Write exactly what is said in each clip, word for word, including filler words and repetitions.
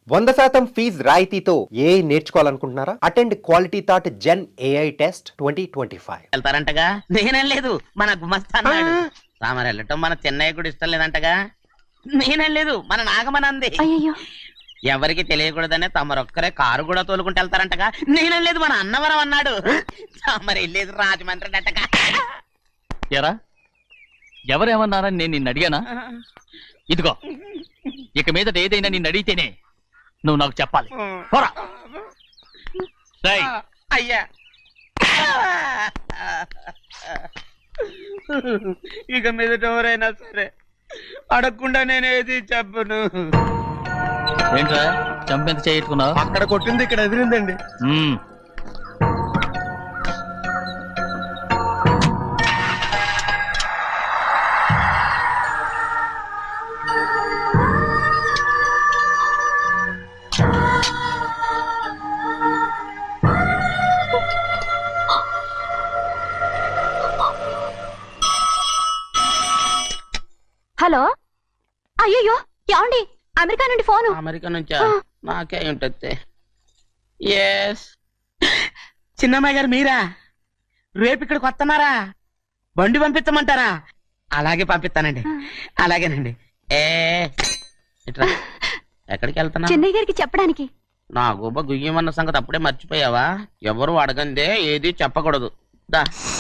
వంద శాతం ఫీజ్ రాయితీతో ఏ నేర్చుకోవాలనుకుంటున్నారా? Attend quality thought gen AI test twenty twenty five. వెళ్తారంటగా? నేనేం లేదు, మన గుమస్తా అన్నాడు. రామర్ వెళ్ళటం మన చెన్నయ్య కూడా ఇష్టం లేదంటగా? నేనేం లేదు, మన నాగమనంది. అయ్యో, ఎవరికి తెలియకూడదనే తమరొక్కరే కారు కూడా తోలుకుంటూ వెళ్తారంటగా? నేనేం లేదు, మన అన్నవరం అన్నాడు. తమరు వెళ్ళేది రాజమండ్రి అంటగా. ఎరా ఎవరేమన్నారని నేను నిన్ను అడిగానా? ఇదిగో, ఇక మీదట ఏదైనా నిన్ను అడిగితేనే నువ్వు నాకు చెప్పాలి. పోరా. రేయ్, అయ్యా, ఇక మీద ఎవరైనా సరే అడగకుండా నేనేది చెప్పను. ఏంట్రా చంపెంత చేయించుకున్నావు? అక్కడ కొట్టింది ఇక్కడ ఎదిరిందండి. మ్మ్. హలో. అయ్యో, ఏమండి? అమెరికా నుండి ఫోను. అమెరికా నుంచా? నాకే ఉంటుంది. ఎస్, చిన్నమ్మాయి గారు మీరా? రేపు ఇక్కడికి వస్తున్నారా? బండి పంపిస్తామంటారా? అలాగే పంపిస్తానండి. అలాగేనండి. ఏ ఇట్రా. ఎక్కడికి వెళ్తున్నా? చెన్నై గారికి చెప్పడానికి. నా గుబ్బ గుయ్యమన్న సంగతి అప్పుడే మర్చిపోయావా? ఎవరు అడగందే ఏది చెప్పకూడదు. దా.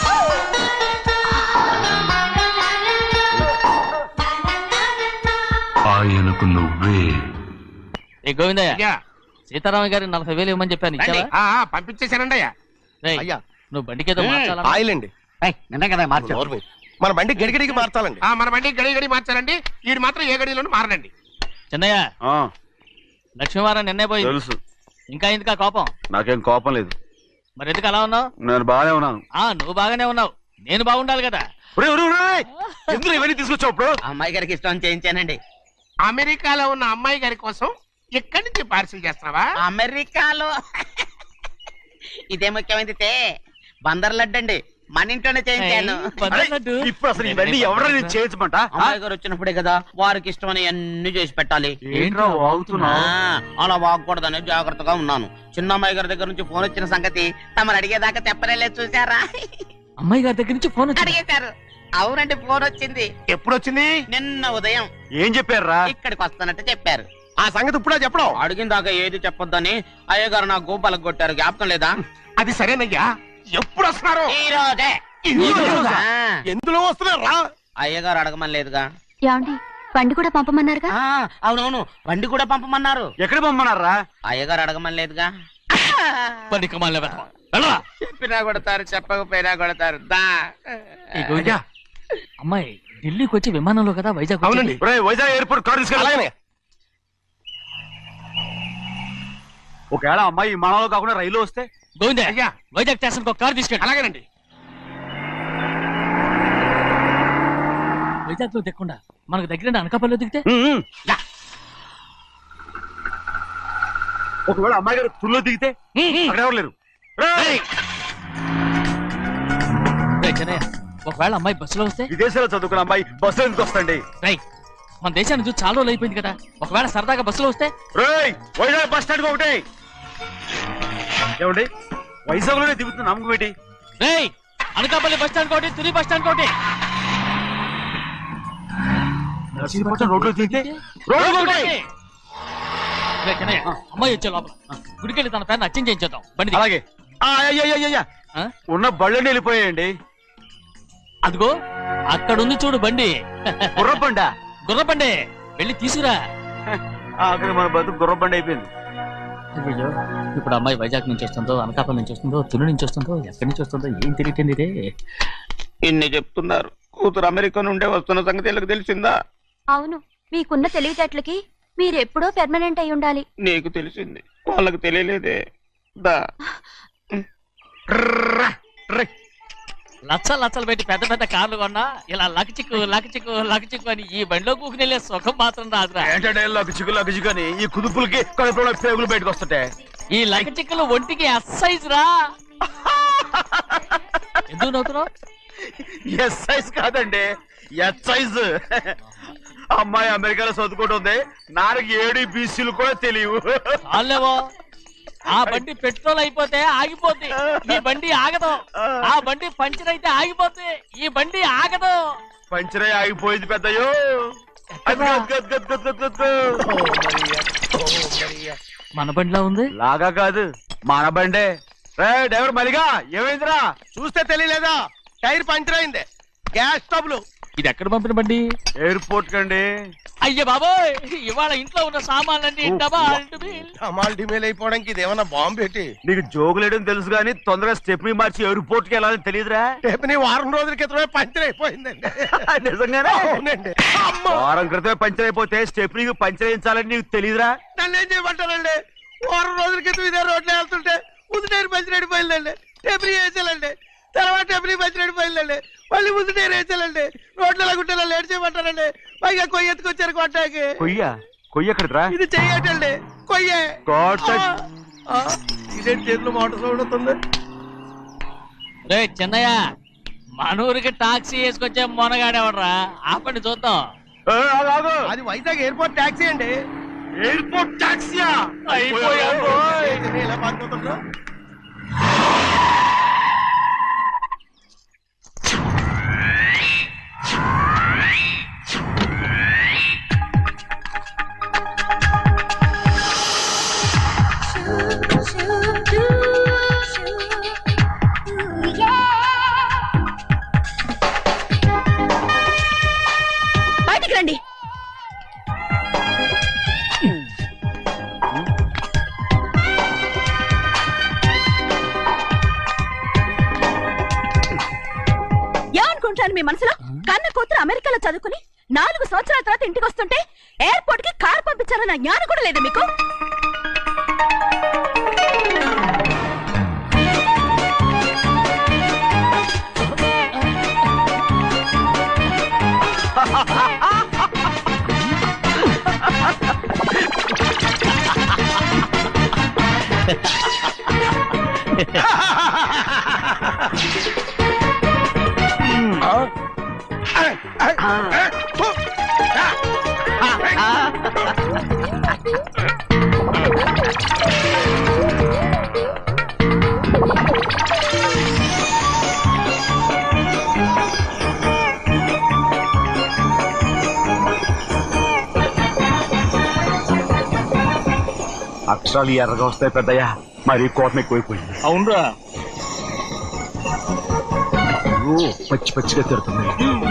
ఆయనకు నువ్వే. ఏ గోవిందయ్య, సీతారామ గారికి నలభై వేలు ఇవ్వమని చెప్పాను, ఇచ్చావా? పంపించేశానండి అయ్యా. రేయ్, అయ్యా, నువ్వు బండికేదో మార్చాలా? ఆయిల్ అండి. నిన్న కదా మార్చు. నోర్మి. మన బండి గడిగడికి మార్చాలండి. మన బండి గడి గడి మార్చాలండి. వీడు మాత్రం ఏ గడిలోనూ మారనండి. చిన్నయ్య, లక్ష్మీవారం నిన్నే పోయింది. తెలుసు. ఇంకా ఎందుకా కోపం? నాకేం కోపం లేదు. మరి ఎందుకు అలా ఉన్నావు? నేను బాగానే ఉన్నాను. ఆ నువ్వు బాగానే ఉన్నావు, నేను బాగుండాలి కదా. ఎందుకు ఇవన్నీ తీసుకొచ్చావు ఇప్పుడు? అమ్మాయి గారికి ఇష్టం చేయించానండి. అమెరికాలో ఉన్న అమ్మాయి గారి కోసం ఇక్కడి నుంచి పార్సిల్ చేస్తున్నావా? అమెరికాలో ఇదే ముఖ్యమైనది. బందర్ లడ్డు అండి, మన ఇంట్లోనే చేయించాను. ఇప్పుడు అసలు ఇవన్నీ ఎవరో నేను చేయించమంట? అమ్మాయి గారు వచ్చినప్పుడే కదా వారికి ఇష్టమని అన్ని చేసి పెట్టాలి. ఏంట్రా వాగుతున్నా? ఆ, అలా వాగకూడదని జాగ్రత్తగా ఉన్నాను. చిన్న అమ్మాయి గారి దగ్గర నుంచి ఫోన్ వచ్చిన సంగతి తమరు అడిగేదాకా చెప్పలేదు. చూసారా? అమ్మాయి గారి దగ్గర నుంచి ఫోన్ వచ్చింది. అడిగేశారు. అవునండి, ఫోన్ వచ్చింది. ఎప్పుడు వచ్చింది? నిన్న ఉదయం. ఏం చెప్పారా? ఇక్కడికి వస్తానంటే చెప్పారు. ఆ సంగతి ఇప్పుడే చెప్పడం. అడిగిన దాకా ఏది చెప్పొద్దని అయ్యగారు నా గోపాలకు కొట్టారు. జ్ఞాపకం లేదా? అది సరేనయ్యా, ఎప్పుడు వస్తున్నారు? ఈ రోజే. ఈ రోజా? ఆ, ఎందులో వస్తున్నారా? అయ్యగారు అడగమని లేదుగా. ఏమండి? బండి కూడా పంపమన్నారుగా? ఆ, అవునవును, బండి కూడా పంపమన్నారు. ఎక్కడ పంపమన్నారా? అయ్యగారు అడగమని లేదుగా. బండి కమాలి వెతకమా? వెళ్ళరా. చెప్పినా కొడతారు, చెప్పకపోయినా కొడతారు. దా. ఏ గోవిందయ్య, అమ్మాయి ఢిల్లీకి వచ్చి విమానంలో కదా వైజాగ్ అవునండి. వచ్చింది. ఒరేయ్, వైజాగ్ ఎయిర్పోర్ట్ కార్ తీసుకెళ్ళి. అలాగనే. ఒకవేళ అమ్మాయి విమానంలో కాకుండా రైలు వస్తే? గోవిందయ్య, అయ్యా, వైజాగ్ స్టేషన్ ఒక కార్ తీసుకెళ్ళి. అలాగేనండి. వైజాగ్ లో దిక్కుండా మనకు దగ్గర అనకాపల్లిలో దిగితే? ఉమ్. ఒకవేళ అమ్మాయి గారు తుల్లో దిగితే? అక్కడ ఎవరు లేరు. రేయ్! రేయ్ చిన్నయ్య, ఒకవేళ అమ్మాయి బస్సులో వస్తే? విదేశాల్లో చదువుకున్న అమ్మాయి బస్సులో ఎందుకు వస్తండి? రేయ్, మన దేశాన్ని చూసి చాలా రోజులు అయిపోయింది కదా, ఒకవేళ సరదాగా బస్సులో వస్తే? రేయ్, వైజాగ్ బస్ స్టాండ్ ఒకటి. ఏమండి, వైజాగ్ లోనే దిగుతున్న నమ్మకం ఏంటి? రేయ్, అనకాపల్లి బస్ స్టాండ్ కోటి, తుని బస్ స్టాండ్ కోటి. నర్సీపట్నం రోడ్లో దిగితే రోడ్డు ఒకటి. రేయ్ చిన్నయ్య, అమ్మాయి వచ్చే లోపల గుడికెళ్ళి తన పేరుని అచ్చం చేయించేద్దాం. బండి దిగు. అలాగే. ఆ, అయ్య, అయ్య, అయ్య, అయ్య. ఆ? ఉన్న బళ్ళని వెళ్ళిపోయాయండి. అదిగో అక్కడుంది చూడు బండి. గుర్రబండ. గుర్రబండి, వెళ్ళి తీసుకురా. అక్కడ మన బతుకు గుర్రబండ అయిపోయింది. అయ్యో, ఇప్పుడు అమ్మాయి వైజాగ్ నుంచి వస్తుందో, అనకాపల్లి నుంచి వస్తుందో, తుని నుంచి వస్తుందో, ఎక్కడి నుంచి వస్తుందో ఏం తెలియటండి ఇదే. ఇన్ని చెప్తున్నారు, కూతురు అమెరికా నుండే వస్తున్న సంగతి వీళ్ళకి తెలిసిందా? అవును, మీకున్న తెలివితేటలకి మీరెప్పుడో పెర్మనెంట్ అయి ఉండాలి. నీకు తెలిసింది, వాళ్ళకి తెలియలేదే. దా. లచ్చలు లచ్చలు పెట్టి పెద్ద పెద్ద కార్లు కొన్నా ఇలా లకచిక్కు లకచిక్కు లకచిక్కు అని ఈ బండిలో కూకుని వెళ్ళే సుఖం మాత్రం రాదురా. ఏంటంటే లగచిక్కు లగచిక్కు అని ఈ కుదుపులకి కడుపులో పేగులు బయటకు వస్తుంటాయి. ఈ లకచిక్కులు ఒంటికి ఎక్సైజ్ రా. ఎందుకు నవ్వుతున్నావు? ఎస్ సైజ్ కాదండి, ఎస్ సైజ్. అమ్మాయి అమెరికాలో చదువుకుంటుంది, నాకు ఏడు బీసీలు కూడా తెలియవు. చాలేవో ఆ బండి పెట్రోల్ అయిపోతే ఆగిపోద్ది, ఈ బండి ఆగదు. ఆ బండి పంచర్ అయితే ఆగిపోద్ది, ఈ బండి ఆగదు. పంచరే ఆగిపోయింది పెద్దయ్యో. అది గద్ గద్ గద్ గద్ గద్ గద్ గద్. మన బండిలా ఉంది. లాగా కాదు, మన బండే. రే డ్రైవర్ మలిగా, ఏమైందిరా? చూస్తే తెలియలేదా? టైర్ పంచర్ అయింది. గ్యాస్ స్టవ్లు ఇది ఎక్కడ పంపిన బండి? ఎయిర్పోర్ట్ కండి. అయ్య బాబోయ్, ఇవాళ ఇంట్లో ఉన్న సామాన్లన్నీ డబాల్ డుబిల్. అమాల్ డిమేల్ అయిపోవడానికి ఇదేమన్నా బాంబు పెట్టి. నీకు జోగులేయడం తెలుసు కానీ తొందరగా స్టెప్ని మార్చి ఎయిర్పోర్ట్ కి వెళ్ళాలని తెలియదురా? రేపు వారం రోజుల క్రితమే పంచర్ అయిపోయిందండి. నిజంగానే? అవునండి. వారం క్రితమే పంచర్ అయిపోతే స్టెప్ని పంచర్ వేయించాలని నీకు తెలియదురా? నన్ను ఏం చేయమంటారండి? వారం రోజుల క్రితం ఇదే రోడ్లో వెళ్తుంటే ముందు టైర్ పంచర్ అయిపోయిందండి. టెబ్రీ వేసాలండి, తర్వాత టెబ్రీ పంచర్ అయిపోయిందండి, మళ్ళీ ముందు టైర్ వేసాలండి. రోడ్లు ఎలా గుంటే లేట్ చేయమంటారండి. పైగా కొయ్య ఎత్తుకొచ్చారు కొట్టాకి. కొయ్య కొయ్య ఎక్కడిరా? ఇది చెయ్యటండి, కొయ్యే. కోట- ఇదేంటి చేతిలో మోటార్ సౌండ్ అవుతుంది? రే చిన్నయ్య, మనూరికి టాక్సీ వేసుకొచ్చే మొనగాడేవడరా? ఆపండి చూద్దాం. ఏ, ఆగు, ఆగు. అది వైజాగ్ ఎయిర్పోర్ట్ ట్యాక్సీ అండి. ఎయిర్పోర్ట్ టాక్సీయా? అయిపోయాం రోయ్. ఏంటండి ఇలా పారిపోతుండ్రు? బయటికి రండి. ఏమనుకుంటాను మీ మనసులో? కన్న కూతురు అమెరికాలో చదువుకుని నాలుగు సంవత్సరాల తర్వాత ఇంటికి వస్తుంటే ఎయిర్పోర్ట్ కి కారు పంపించాలన్న జ్ఞానం కూడా లేదా మీకు? అక్షరాలు ఎర్రగా వస్తాయి పెద్దయ్యా, మరి కోపం ఎక్కువైపోయింది. అవునరా, ఓ, పచ్చి పచ్చిగా తిడుతుంది.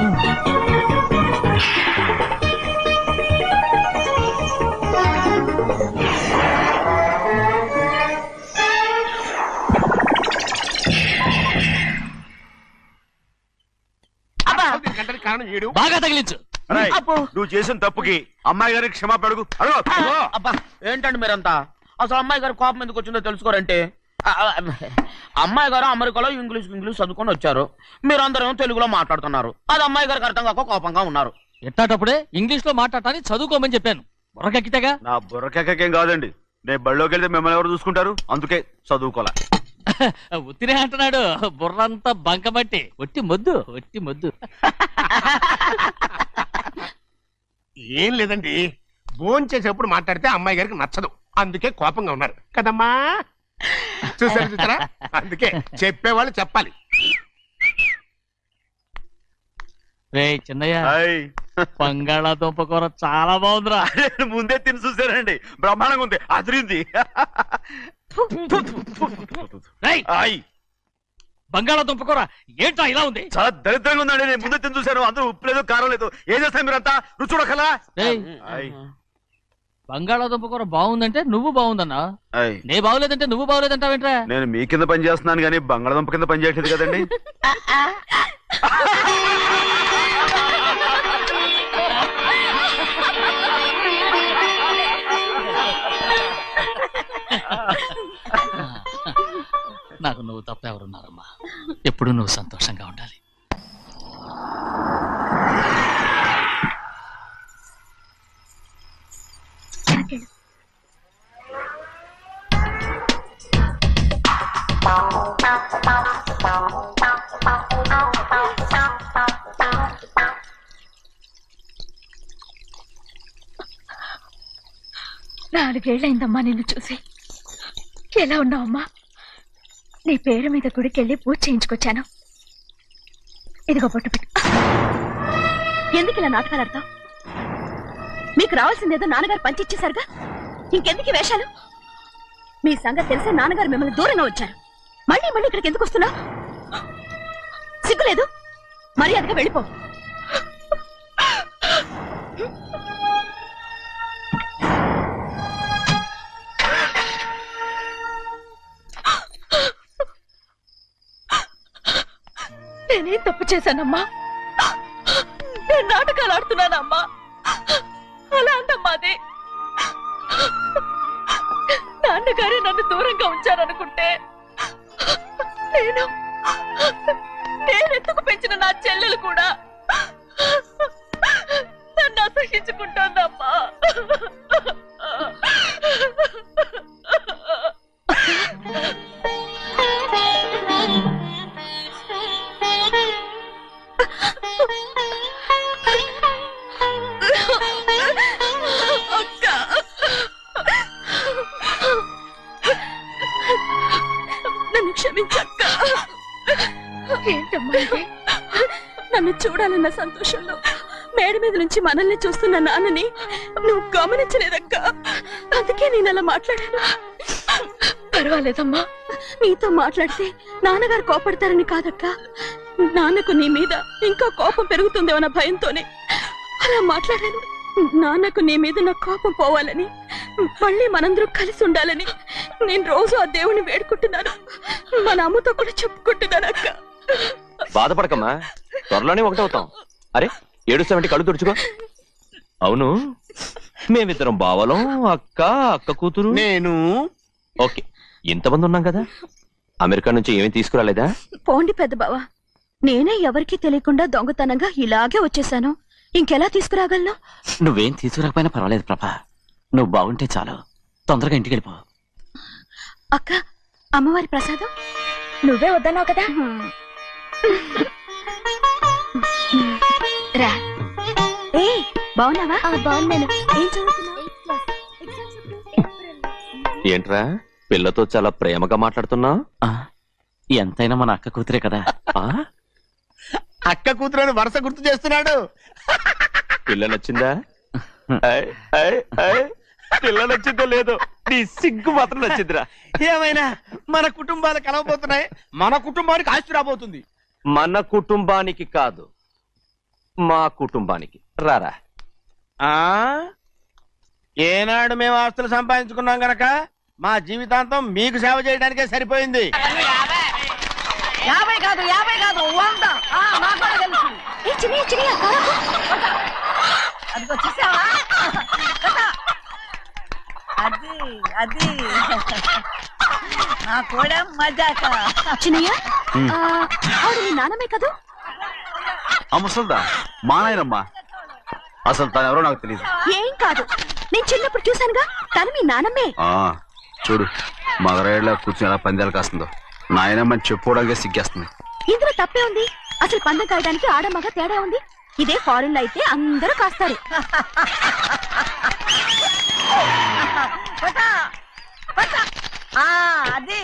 గంటల కారణం ఏడు. బాగా తగిలించు. రేయ్, నువ్వు చేసిన తప్పుకి అమ్మాయి గారికి క్షమాపణ అడుగు. అడుగు, అడుగు. అబ్బా ఏంటండి మీరంతా? అసలు అమ్మాయి గారు కోపం ఎందుకు వచ్చిందో తెలుసుకోరంటే, ఆ, ఆ, అమ్మాయి గారు అమెరికాలో ఇంగ్లీష్ ఇంగ్లీష్ చదువుకొని వచ్చారు, మీరందరూ తెలుగులో మాట్లాడుతున్నారు. అది అమ్మాయి గారికి అర్థం కాక కోపంగా ఉన్నారు. ఎట్టాటప్పుడే ఇంగ్లీష్ లో మాట్లాడటానికి చదువుకోమని చెప్పాను. బుర్రకెక్కితేగా. నా బుర్రకెక్కకేం కాదండి, నేను బళ్ళోకి వెళ్తే మిమ్మల్ని ఎవరు చూసుకుంటారు, అందుకే చదువుకోలే. ఉత్తినే అంటున్నాడు, బుర్రంతా బంకమట్టి. ఒట్టి మొద్దు, ఒట్టి మొద్దు. ఏం లేదండి, భోజనం చేసేప్పుడు మాట్లాడితే అమ్మాయి గారికి నచ్చదు, అందుకే కోపంగా ఉన్నారు కదమ్మా. చూసారు చూసారా? అందుకే చెప్పేవాళ్ళు చెప్పాలి. రే చిన్నయ్య, హాయ్. బంగాళాదుంప కూర చాలా బాగుందిరా. నేను ముందే తిని చూసానండి, బ్రహ్మాండంగా ఉంది, అదిరింది. రేయ్, హాయ్. బంగాళాదుంప కూర ఏంటా ఇలా ఉంది? చాలా దరిద్రంగా ఉందండి, నేను ముందే తిని చూశాను, అందరూ ఉప్పు లేదు కారం లేదు. ఏం చేస్తాను మీరంతా? రుచి చూడకలా. రేయ్, హాయ్. బంగాళాదుంప కూర బాగుందంటే నువ్వు బాగుందన్నా, హాయ్. నే బాగులేదంటే నువ్వు బాగులేదంటావేంట్రా? నేను మీ కింద పని చేస్తున్నాను కానీ బంగాళదుంప కింద పని చేయట్లేదు కదండి. నాకు నువ్వు తప్ప ఎవరున్నారమ్మా? ఎప్పుడు నువ్వు సంతోషంగా ఉండాలి. నాలుగేళ్లైందమ్మా నిన్ను చూసి. ఎలా ఉన్నావమ్మా? నీ పేరు మీద గుడికెళ్ళి పూజ చేయించుకొచ్చాను. ఇదిగో బొట్టు పెట్టు. ఎందుకు ఇలా నాటకాలు ఆడతావు? మీకు రావాల్సిందేదో నాన్నగారు పంచిచ్చేశారుగా, ఇంకెందుకు ఈ వేషాలు? మీ సంగతి తెలిసే నాన్నగారు మిమ్మల్ని దూరంగా వచ్చారు. మళ్ళీ మళ్ళీ ఇక్కడికి ఎందుకు వస్తున్నావు? సిగ్గులేదు? మర్యాదగా వెళ్ళిపో. నేనేం తప్పు చేశానమ్మా? నేను నాటకాలు ఆడుతున్నానమ్మా. అలా అందమ్మా అది. నాన్నగారే నన్ను దూరంగా ఉంచారనుకుంటే నేను నేనెత్తుకు పెంచిన నా చెల్లెలు కూడా నన్ను అసహించుకుంటోందమ్మా. నన్ను క్షమించక్క. ఏంటమ్మా ఇది? నన్ను చూడాలన్న సంతోషంలో మేడ మీద నుంచి మనల్ని చూస్తున్న నాన్నని నువ్వు గమనించలేదక్క. అందుకే నేను అలా మాట్లాడాను. పర్వాలేదమ్మా, నీతో మాట్లాడితే నాన్నగారు కోపడతారని కాదక్క. నాన్నకు నీ మీద ఇంకా కోపం పెరుగుతుందేమన్న భయంతోనే అలా మాట్లాడాను. నాన్నకు నీ మీద నా కోపం పోవాలని, మళ్ళీ మనందరూ కలిసి ఉండాలని నేను రోజు ఆ దేవుని వేడుకుంటున్నాను. మన అమ్మతో కూడా చెప్పుకుంటున్నాను అక్క. బాధపడకమ్మా, త్వరలోనే ఒకటవుతాం. అరే ఏడుస్తామంటే కళ్ళు తుడుచుకో. అవును, మేమిద్దరం బావలం, అక్క అక్క కూతురు నేను. ఓకే, ఇంతమంది ఉన్నాం కదా. అమెరికా నుంచి ఏమీ తీసుకురాలేదా? పోండి పెద్ద బావ, నేనే ఎవరికీ తెలియకుండా దొంగతనంగా ఇలాగే వచ్చేసాను. ఇంకెలా తీసుకురాగలను? నువ్వేం తీసుకురాకపోయినా పర్వాలేదు ప్రభా, నువ్వు బాగుంటే చాలు. తొందరగా ఇంటికి వెళ్ళిపో. అక్క, అమ్మవారి ప్రసాదం నువ్వే వద్దన్నావు కదా. రా. ఏ బాగున్నావా? బాగున్నాను. ఏం చదువుతున్నావు? ఏంట్రా పిల్లతో చాలా ప్రేమగా మాట్లాడుతున్నావు? ఆ, ఎంతైనా మన అక్క కూతురే కదా. అక్క కూతురు వరుస గుర్తు చేస్తున్నాడు. పిల్ల నచ్చిందా? ఐ, ఐ, ఐ. పిల్ల నచ్చిందో లేదో, నీ సిగ్గు మాత్రం నచ్చిందిరా. ఏమైనా మన కుటుంబాలు కలవబోతున్నాయి. మన కుటుంబానికి ఆస్తి రాబోతుంది. మన కుటుంబానికి కాదు, మా కుటుంబానికి. రారా. ఆ ఏనాడు మేము ఆస్తులు సంపాదించుకున్నాం గనక మా జీవితాంతం మీకు సేవ చేయడానికే సరిపోయింది. యాభై కాదు యాభై కాదు వంద. ఏ చిన్ని చిన్ని అది వచ్చేసావా? అది అది నా కూడా మజాక. చిన్నయ్య, ఆవిడ నీ నాన్నమే కదూ? ఆ ముసల్దా మా నాయనమ్మా. అసలు తను ఎవరో నాకు తెలియదు. ఏం కాదు, నేను చిన్నప్పుడు చూశానుగా, తను మీ నాన్నమ్మే. ఆ చూడు, మగరాయిలా కూర్చుని ఎలా పందాలు కాస్తుందో. నాయనమ్మని చెప్పుకోవడానికి సిగ్గేస్తుంది. ఇందులో తప్పే ఉంది? అసలు పందెం కాయడానికి ఆడమగ తేడా ఉంది. ఇదే ఫారెన్ లో అయితే అందరూ కాస్తారు. అది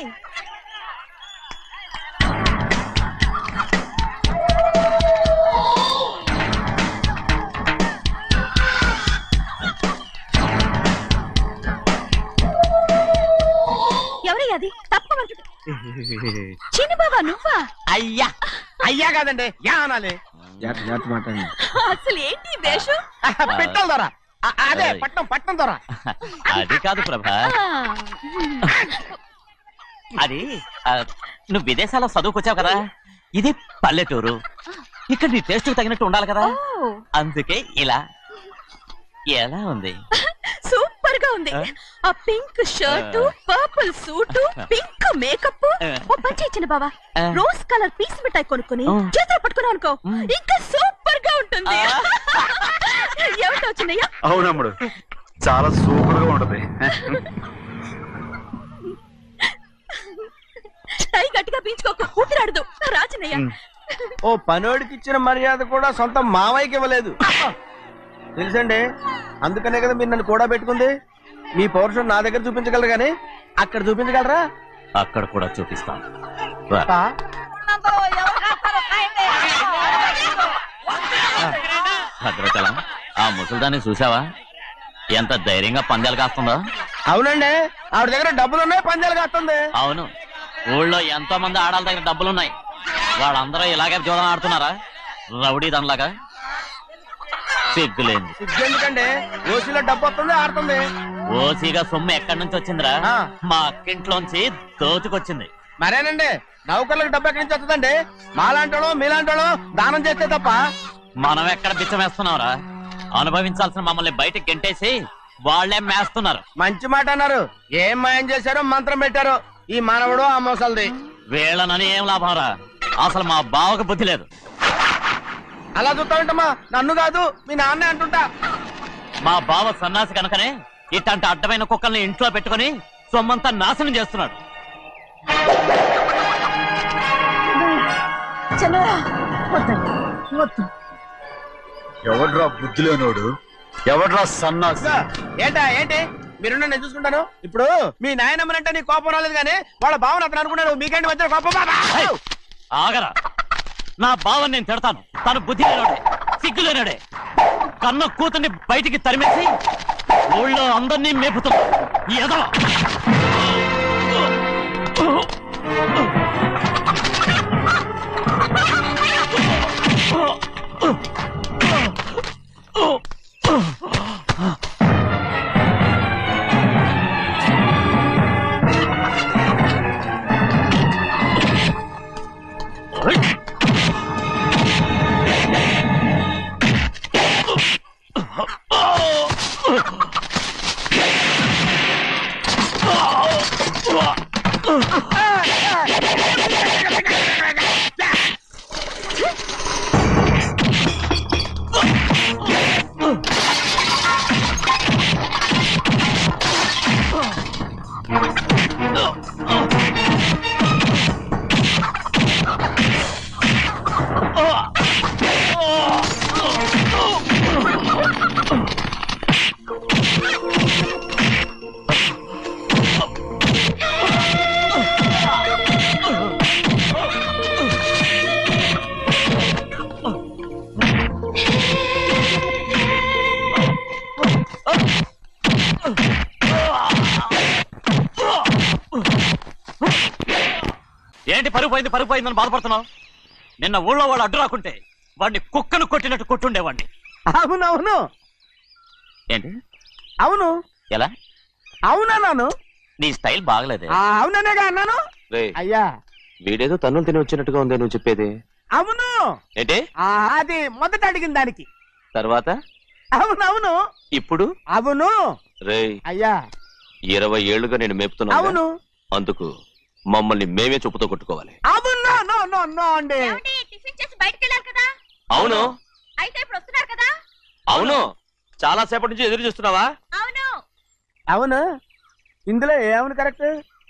ఎవరయ్య అది? తప్పమంటుంది. చిన్ని బాబా నువ్వా? అయ్యా అయ్యా కాదండి, యా అనాలి. అసలు ఏంటి వేషం? పెట్టాలి దొర. అదే పట్నం పట్నం దొర. అది కాదు ప్రభా, అది ఆ, నువ్వు విదేశాల్లో చదువుకొచ్చావు కదా, ఇది పల్లెటూరు. ఇక్కడ నీ టేస్ట్ తగినట్టు ఉండాలి కదా, అందుకే ఇలా. ఎలా ఉంది? సూపర్ గా ఉంది. ఆ pink shirt, purple suit, pink makeup. ఓ పని ఇచ్చిన బావా, రోజ్ కలర్ పీస్ మిఠాయి కొనుక్కుని చేతిలో పట్టుకున్నావు అనుకో, ఇంకా సూపర్ గా ఉంటుంది. ఏమిటో చిన్నయ్య? అవునమ్ముడు, చాలా సూపర్ గా ఉంటది. టై గట్టిగా పీంచుకోకు, ఊపిరాడదు. రాజనయ్య, ఓ పనోడికి ఇచ్చిన మర్యాద కూడా సొంత మావయ్యకి ఇవ్వలేదు తెలుసండి. అందుకనే కదా మీరు నన్ను కూడా పెట్టుకుంది. మీ పౌరుషం నా దగ్గర చూపించగలరు కానీ అక్కడ చూపించగలరా? అక్కడ కూడా చూపిస్తాను రా. పా. భద్రాచలం ఆ ముసలిదాన్ని చూసావా ఎంత ధైర్యంగా పందాలు కాస్తుందో? అవునండి, ఆవిడ దగ్గర డబ్బులు ఉన్నాయి, పందాలు కాస్తుంది. అవును, ఊళ్ళో ఎంతో మంది ఆడాళ్ళ దగ్గర డబ్బులున్నాయి, వాళ్ళందరూ ఇలాగే జోదం ఆడుతున్నారా రౌడీ దానిలాగా? సిగ్గులేదు. ఎందుకండి ఓసీలో డబ్బు వస్తుంది, ఆడుతుంది. ఓసీగా సొమ్ము ఎక్కడి నుంచి వచ్చిందిరా? ఆ. మా అక్కింట్లోంచి దోచుకొచ్చింది. మరేనండి, నౌకర్లకు డబ్బు ఎక్కడి నుంచి వస్తుందండి? మాలాంటోళ్ళు మీలాంటోళ్ళు దానం చేస్తే తప్ప. మనం ఎక్కడ బిచ్చం వేస్తున్నావురా? అనుభవించాల్సిన మమ్మల్ని బయటకు గెంటేసి వాళ్లే మేస్తున్నారు. మంచి మాట అన్నారు. ఏం మాయం చేశారో మంత్రం పెట్టారో ఈ మానవుడు ఆ మోసల్ది. వీళ్ళనని ఏం లాభం రా? అసలు మా బావకు బుద్ధి లేదు. అలా చూస్తా ఉంటామా? నన్ను కాదు మీ నాన్నే అంటుంటా. మా బావ సన్నాసి కనుకనే ఇట్లాంటి అడ్డమైన కుక్కల్ని ఇంట్లో పెట్టుకుని సొమ్మంతా నాశనం చేస్తున్నాడు. ఎవడ్రా బుద్ధి లేనోడు? ఎవడ్రా సన్నాసి? ఏంటా ఏంటి? మీరు నేను చూసుకుంటాను. ఇప్పుడు మీ నాయనమ్మనంటే నీ కోపం రాలేదు కానీ వాళ్ళ భావన అతను అనుకున్నాడు. మీకేంటి మధ్య కోపం? ఆగరా, నా బావని నేను తిడతాను. తను బుద్ధి లేనోడే, సిగ్గు లేనోడే. కన్న కూతుర్ని బయటికి తరిమేసి ఊళ్ళో అందరినీ మేపుతున్నా ఈ ఎదవ. ఏంటి పరుగు పోయింది పరుగు పోయిందని బాధపడుతున్నావు? నిన్న ఊళ్ళో వాళ్ళు అడ్డు రాకుంటే వాడిని కుక్కను కొట్టినట్టు కొట్టుండేవాడిని. అవునవును. ఏంటి? అవును. ఎలా? అవునన్నాను. నీ స్టైల్ బాగలేదే. అవుననేగా అన్నాను. అయ్యా, వీడేదో తన్నులు తిని వచ్చినట్టుగా ఉంది నువ్వు చెప్పేది. అవును. ఏంటి? అది మొదట అడిగిన దానికి. తర్వాత? అవునవును. ఇప్పుడు? అవును. రేయ్, అయ్యా ఇరవై ఏళ్లుగా నేను మేపుతున్నా. అవును. అందుకు మమ్మల్ని మేమే చెప్పుతో కొట్టుకోవాలి. అవును. నో నో నో అండి. టిఫిన్ చేసి బయటికి వెళ్ళారు కదా? అవును. అయితే ఇప్పుడు వస్తున్నారు కదా? అవును. చాలా సేపటి నుంచి ఎదురు చూస్తున్నావా? అవును. అవును. ఇందులో ఏమని కరెక్ట్?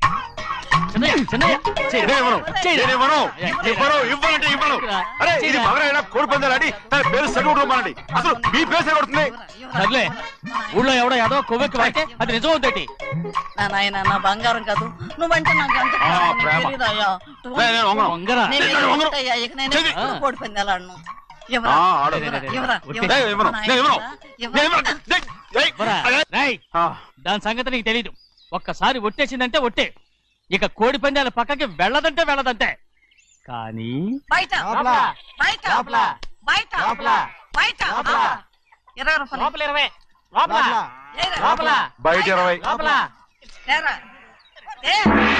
కోడి పందాలని తన పేరు సరిగొట్టుకోమనండి. అసలు మీ పేరు సరిగొడుతుంది. సర్లే, ఊళ్ళో ఎవడో ఏదో కొవ్వెక్కి వాడితే అది నిజం అవుతాయి. నా నాయన నా బంగారం కాదు, నువ్వంటే నాకు ఎంత ప్రేమ. తెలీదయ్యా. వంగరా. నేను వెళ్ళిపోతాయ్యా, ఇక నేను ఎప్పుడు కోడి పందాలు ఆడను. ఎవరా? ఆ, ఆడు. ఎవరా? ఎవరా? నేను ఇవ్వను. నేను ఇవ్వను. ఎవరా? నేను ఇవ్వను. ఏయ్, ఏయ్. రేయ్, ఆ, దాని సంగతి నీకు తెలీదు. ఒక్కసారి ఒట్టేసిందంటే ఒట్టే. ఇక కోడి పందాల పక్కకి వెళ్ళదంటే వెళ్ళదంటే. కానీ బయట లోపల. బయట లోపల. బయట లోపల. బయట లోపల. ఇరవై రూపాయలు. లోపల ఇరవై, లోపల. ఏరా? లోపల బయట ఇరవై. లోపల. ఏరా? ఏ?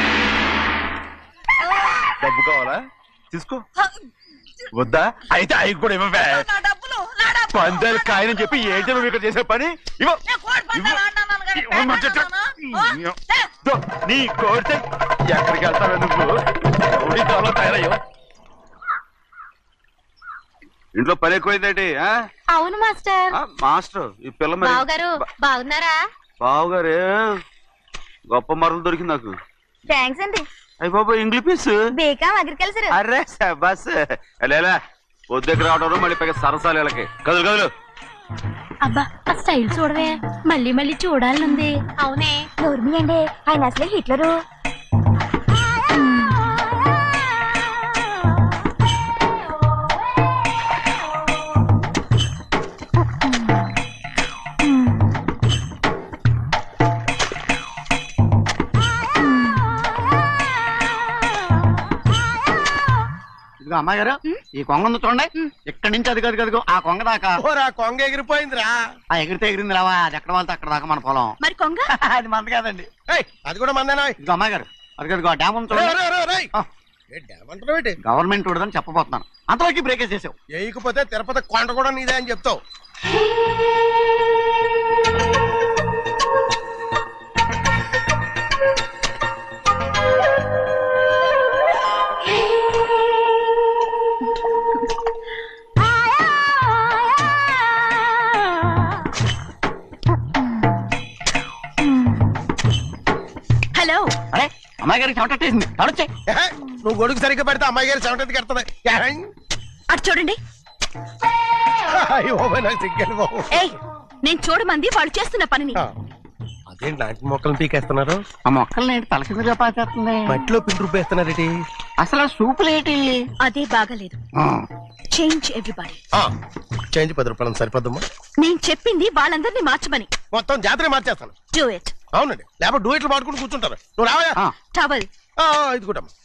డబ్బు కావాలా? తీసుకో. వద్దా? అయితే అవి కూడా ఇవ్వవే. నా డబ్బులు, నా డబ్బులు. పందాలు కాయని చెప్పి ఏంటి నువ్వు ఇక్కడ చేసే పని? ఇవ్వ. నేను కోడి పందాలు ఆడినాను కానీ ఇవ్వమని చెప్పు. ఆడినానా? ఓ, ఏ? దో, నీ కోరితే ఎక్కడికి వెళ్తావు నువ్వు? రౌడీ త్వరలో తయారయ్యో. ఇంట్లో పని ఎక్కువైందేంటి? ఆ? అవును మాస్టర్. ఆ, మాస్టర్ ఈ పిల్ల మరి బావగారు బాగున్నారా? బావుగారే గొప్ప మరలు దొరికింది నాకు. థ్యాంక్స్ అండి. అయ్యి బాబా ఇంగ్లీష్ పీస్. బేకాం అగ్రికల్చర్. అరే బస్ లేలా పొద్దుకి రావడం మళ్ళీ పైగా సరసాలు వీళ్ళకి. కదులు కదులు అబ్బా ఆ స్టైల్ చూడవే మళ్ళీ మళ్ళీ చూడాలనుంది. అవునే నోర్మి అండి, ఆయన అసలే హిట్లరు. ఇదిగో అమ్మాయి గారు, ఈ కొంగ ఉంది చూడండి, ఇక్కడి నుంచి అది కదిగో ఆ కొంగ దాకా. ఓరా కొంగ ఎగిరిపోయిందిరా. ఆ ఎగిరితే ఎగిరింది రావా, అది ఎక్కడ వాళ్ళతో అక్కడ దాకా మన పొలం. మరి కొంగ అది మంద కాదండి. ఏయ్, అది కూడా మందేనా? ఇదిగో అమ్మాయి గారు, అది కదిగో డ్యామ్ ఉంది చూడండి. ఆ. ఏమంటారు? గవర్నమెంట్ ఉండదని చెప్పబోతున్నాను, అంతలోకి బ్రేక్ వేసేసావు. వేయకపోతే తిరుపతి కొండ కూడా నీదే అని చెప్తావు. హలో. అరే అమ్మాయి గారికి చెమటేసింది, తడొచ్చే. ఏహే, నువ్వు గొడుగు సరిగ్గా పెడితే అమ్మాయి గారి చెమటెత్తి కడుతుంది. అటు చూడండి. నాకు సిగ్గాను బాబు. ఏయ్, నేను చూడమంది వాళ్ళు చేస్తున్న పనిని. అదేంటి నాటి మొక్కలను పీకేస్తున్నారు? ఆ మొక్కల్ని ఏంటి తలకిందుగా పాచేస్తుంది? మట్టిలో పిండి రుబ్బేస్తున్నారేటి? అసలు సూపులేటి? అదే బాగాలేదు. Change everybody. చేంజ్ పది రూపాయలు సరిపోద్దమ్మా. నేను చెప్పింది వాళ్ళందరినీ మార్చమని. మొత్తం జాతర మార్చేస్తాను. Do it. అవునండి, లేకపోతే డూయిట్లు పాడుకుంటూ కూర్చుంటారు. నువ్వు రావయా? టవల్. ఇది కూడా